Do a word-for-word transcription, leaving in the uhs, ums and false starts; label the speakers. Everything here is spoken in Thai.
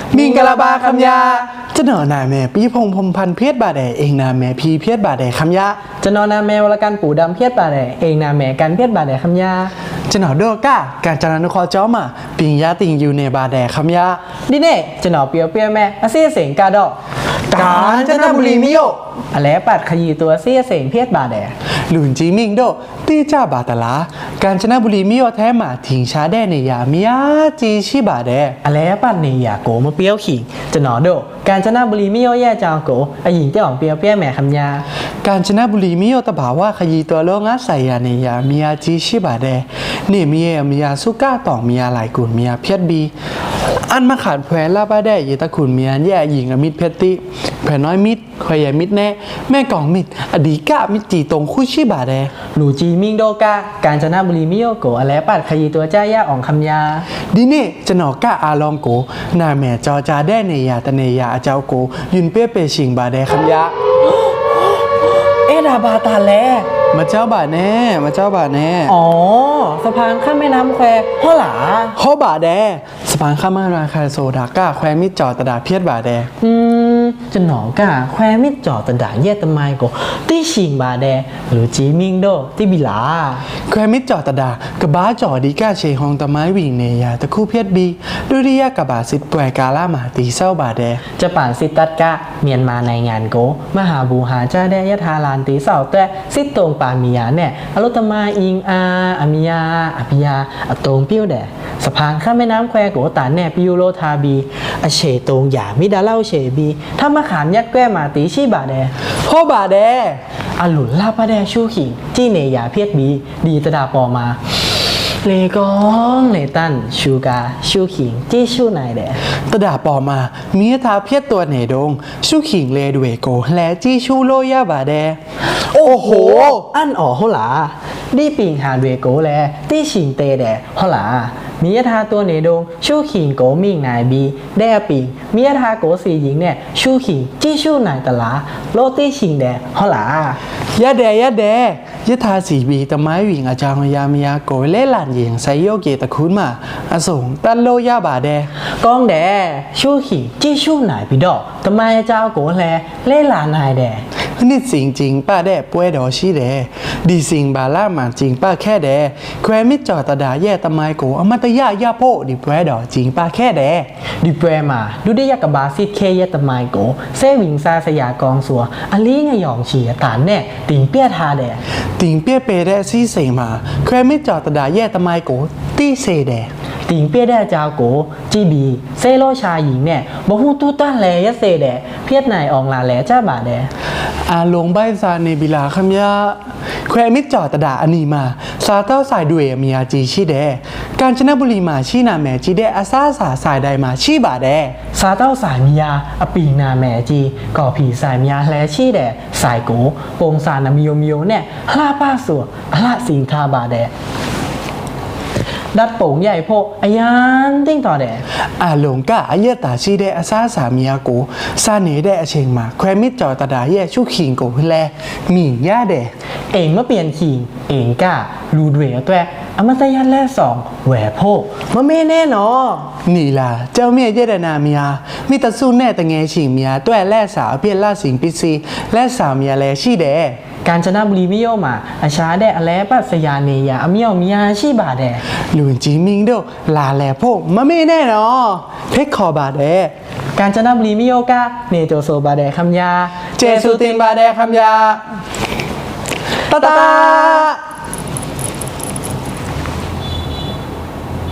Speaker 1: มิงกะลาบาคำยาจะหนอนาแม่ปีพงพมพันเพียรบาแดเองนาแม่พีเพียรบาแดคำยา
Speaker 2: จะนอนนาแมวละกันปู่ดำเพียรบาแดเองนาแม่กันเพียรบาแดคำยา
Speaker 1: จะหนอโดก้าการจนานุคอจ้อมาปิงยาติงอยู่ในบาแดคำยา
Speaker 2: ดิเน่จะหนอเปียวเปียวแม่อาเซียเสียงกาดอก
Speaker 1: กาญจนบุรีมิโย
Speaker 2: อะไรปัดขยีตัวเสียเสียงเพียรบาแด
Speaker 1: หลุนจีมิงโดตีจ้าบาตลาการจนบุรีมิโยแท้หมาถิงชาแดในยามิยาจีชิบาแด
Speaker 2: อะไรปัดในยาโกมาเปียวขิงจะหนอโดการจนบุรีมิโยแย่จางโกอาหญิงเจ้าของเปียวเปียวแม่คำยา
Speaker 1: การจนบุรีมิโยตะบาว่าขยีตัวโลงาใส่ยาในยามิยาจีชิบาแดนี่มีเอมิยาสุก้าต่องมิยาหลายกุนมิยาเพียรบีอันมาขาดแผลลาบาแดเยตะขุนเมียนแย่หญิงอมิตรเพชรติแผลน้อยมิดคอยใหญ่มิดแน่แม่กองมิดอดีกะมิดจีตรงคู่ชีบาแด
Speaker 2: หลูจีมิงโดกาการจนบุรีมิโยโกอะไรปัดขยีตัวเจ้าย่าอ่องคำยา
Speaker 1: ดิเน่จะหนอกะอาลองโกนาแม่จอจาแดเนยาตเนยาอาเจ้าโกยุนเปี้ยเปชิงบาแดคำยา
Speaker 2: เอ็ดาบาตาแล
Speaker 1: มาเจ้าบาแน่มาเจ้าบาแน่
Speaker 2: อ๋อสะพานข้ามแม่น้ำแควฮ่อหลา
Speaker 1: ฮ่อบาแดสะพานข้ามแม่น้ำแควโซดาก้าแควมิดจอตะดาเพียดบาแด
Speaker 2: อืมจะหนอกะแควมิดจอตะดาเยตะไมโกตีชิงบาแดหรือจีมิงโดตีบิลา
Speaker 1: แควมิดจอตะดากะบ้าจอดีก้าเชฮองตะไม้วิ่งเนยาตะคู่เพียดบีดุริยะกะบาสิทป่วยกาล่ามาตีเศร้าบาแด
Speaker 2: จะป่านสิตัดกะเมียนมาในงานโกมหาบูหาจ้าแดยะทาลานตีเศร้าแต่สิตรงปามียาเนี่ยอรุตมาอิงอาอมิยาอภิยาอตงปิ้วแดสะพานข้ามแม่น้ำแควโกตานแน่ปิวโลทาบีอเฉตงหยามิดาเล่าเฉบีถ้ามาขามยัดแก้มาตีชีบาแด
Speaker 1: ฮ่อบาแด
Speaker 2: อหลุนลาบาแดชูขิงจี้เนยาเพียดบีดีตะดาปอมาเลกองเลตันชูกาชูขิงจี้ชูนายแด
Speaker 1: ตะดาปอมามีทาเพียดตัวเนดงชูขิงเลดเวโกและจี้ชูโลยาบาแดโอ้โห
Speaker 2: อันอ๋อเขาหลาดีปิงหาเวโกแลตี้ชิงเตแดเขาหลามียทาตัวเนดงชูขิงโกมิงนายบีแดปิงมียทาโกสีหญิงเนี่ยชูขิงจี้ชูนายตะลาโลตี้ชิงแดเขาหลาย
Speaker 1: ะแดยะแดยะทาสีบีตะไม้วิ่งอาจารย์ยามยาโกเล่หลานหญิงไซโยเกตะคุณมาอสงตันโลยาบาแด
Speaker 2: กองแดชูขิงจี้ชูนายปีดอกตะไม้เจ้าโกแลเล่หลานนายแด
Speaker 1: นี่สิงจริงป้าแดป่วยดอชีแดดีสิงบาล่ามาจริงป้าแค่แดแควมิจอตะดาแย่ตะไมโกอมัตยายาโพดิป่วยดอจริงป้าแค่แด
Speaker 2: ดิป่วยมาดูได้ยากบาซิดเคยตะไมโกเซวิงซาสยากองสัวอลีงยองเฉียตานแน่ติงเปียทาแด
Speaker 1: ติงเปียเปแดซีเสมาแควมิจอตะดาแย่ตะไมโกตีเซแด
Speaker 2: ติงเปียแดเจ้าโกจีบีเซโลชาหญิงเนี่ยบ่ฮู้ตู้ต้านแลยะเซแดเพียดนายอองลาแลจ้าบาแด
Speaker 1: อาลงใบซาเนบิลาคำยาแควมิจอตะดาอันนี้มาซาเต้าสายด้วยมียาจีชีแดการจนบุรีมาชีนาแมจีแดอาซาสาสายใดมาชีบาแด
Speaker 2: ซาเต้าสายมียาอปีนาแมจีก่อผีสายมียาแลชีแดสายโกปงสานามิโยมิโยเนี่ยฮลาป้าสัวฮลาสิงทาบาแดดัดโป่งใหญ่โพอายันติ้งต่อแด
Speaker 1: อาหลงกะอาเยตาชีแดอาซาสามียาโกซาเนแดอเชงมาแควมิดจอตะดาแย่ชูขิงโกแลมีย่าแด
Speaker 2: เองเมื่อเปลี่ยนขิงเองกะรูดเวลตัวอมตะยันแลสองแหวโพมะเมแน่นอ
Speaker 1: นี่ล่ะเจ้าเมียเยดนามียามีตะสู้แน่ตะเงชิงมียาตัวแลสาวเพียนล่าสิงปิซีและสาวมียาแลชีแด
Speaker 2: การจนบุรีมิโยมาอาชาแดอแลปัสยาเนยาอเมียวมียาชีบาแด
Speaker 1: หลุนจีมิงโดลาแลโพมะเมแน่นอเพคคอบาแด
Speaker 2: การจนบุรีมิโยกะเนโจโซบาแดคำยา
Speaker 1: เจสุตินบาแดคำยาตาตา